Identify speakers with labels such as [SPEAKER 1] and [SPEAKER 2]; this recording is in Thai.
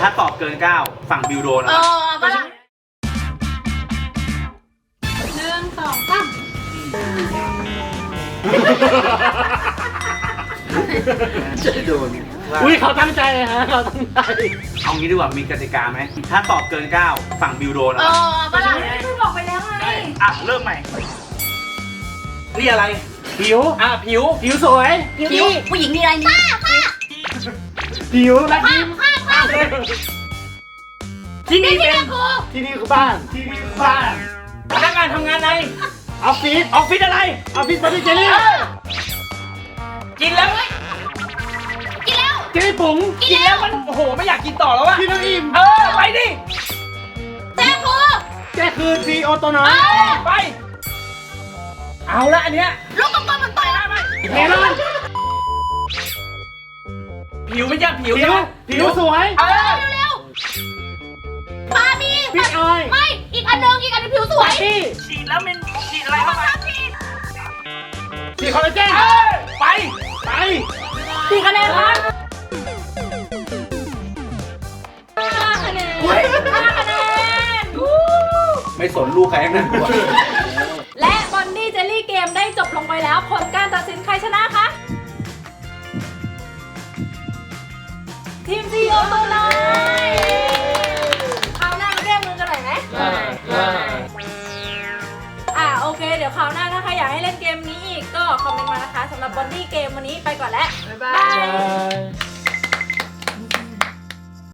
[SPEAKER 1] ถ้าตอบเกิน9ฝั่งบิวโดนนะ
[SPEAKER 2] ฝรั่ง1 2 3
[SPEAKER 1] จะโดน
[SPEAKER 3] อุ้ยเขาตั้งใจฮะเขาตั้งใจ
[SPEAKER 1] เอางี้ดีกว่ามีกติกาไหมถ้าตอบเกิน9ฝั่งบิวโดนนะ
[SPEAKER 2] ฝรั่งไม่บอกไปแล้วไง
[SPEAKER 1] อ่ะเริ่มใหม่นี่อะไร
[SPEAKER 3] ผิวผิวสวย
[SPEAKER 2] ผิวผู้หญิงมีอะไรนี่ผ้า
[SPEAKER 3] ผิวและยิ้ม
[SPEAKER 2] ผ้า
[SPEAKER 3] ที่นี่
[SPEAKER 2] ที่
[SPEAKER 3] เป็
[SPEAKER 2] เรีย
[SPEAKER 3] น
[SPEAKER 2] กครู
[SPEAKER 3] ที่นี่คือบ้านที่นี่คือบ้านพนักงานทำงานในออฟฟิศอะไรออฟฟิศบริเจลี่กินแล้ว
[SPEAKER 2] กินแล้ว
[SPEAKER 3] เจลี่ปุ๋ง
[SPEAKER 2] กินแล้ว
[SPEAKER 3] มันโอ้โหไม่อยากกินต่อแล้วอะกินแล้วอิ่มไปดิ
[SPEAKER 2] แจ้ครู
[SPEAKER 3] แกคือซีโอตัวน้อยไปเอาละอันเนี้ย
[SPEAKER 2] ลูกกลมๆมันต่อยได้ไหม
[SPEAKER 3] เมลอน
[SPEAKER 4] ผิวไม่ใช่ผิว
[SPEAKER 3] ผิวสวย
[SPEAKER 2] เร็วๆบาร์บี้
[SPEAKER 3] พี่ออย
[SPEAKER 2] ไม่อีกอันหนึงผิวสวย
[SPEAKER 3] พี่
[SPEAKER 4] ฉีดแล้วมันฉีดอะไรเข้าไป
[SPEAKER 3] สีคอลลาเจน
[SPEAKER 4] ไป
[SPEAKER 2] 4 คะแนนครับ5 คะแนน5 คะแนน
[SPEAKER 1] ไม่สนลูกใครทั้งนั้นตัว
[SPEAKER 2] และบอนนี่เจลลี่เกมได้จบลงไปแล้วผลการตัดสินใครชนะคะทีมซีโอตัวน้อยคราวหน้ามาแก้มือกันหน่อยไหมโอเคเดี๋ยวคราวหน้าถ้าใครอยากให้เล่นเกมนี้อีกก็คอมเมนต์มานะคะสำหรับบอนนี่เกมวันนี้ไปก่อนแล้วบ๊ายบาย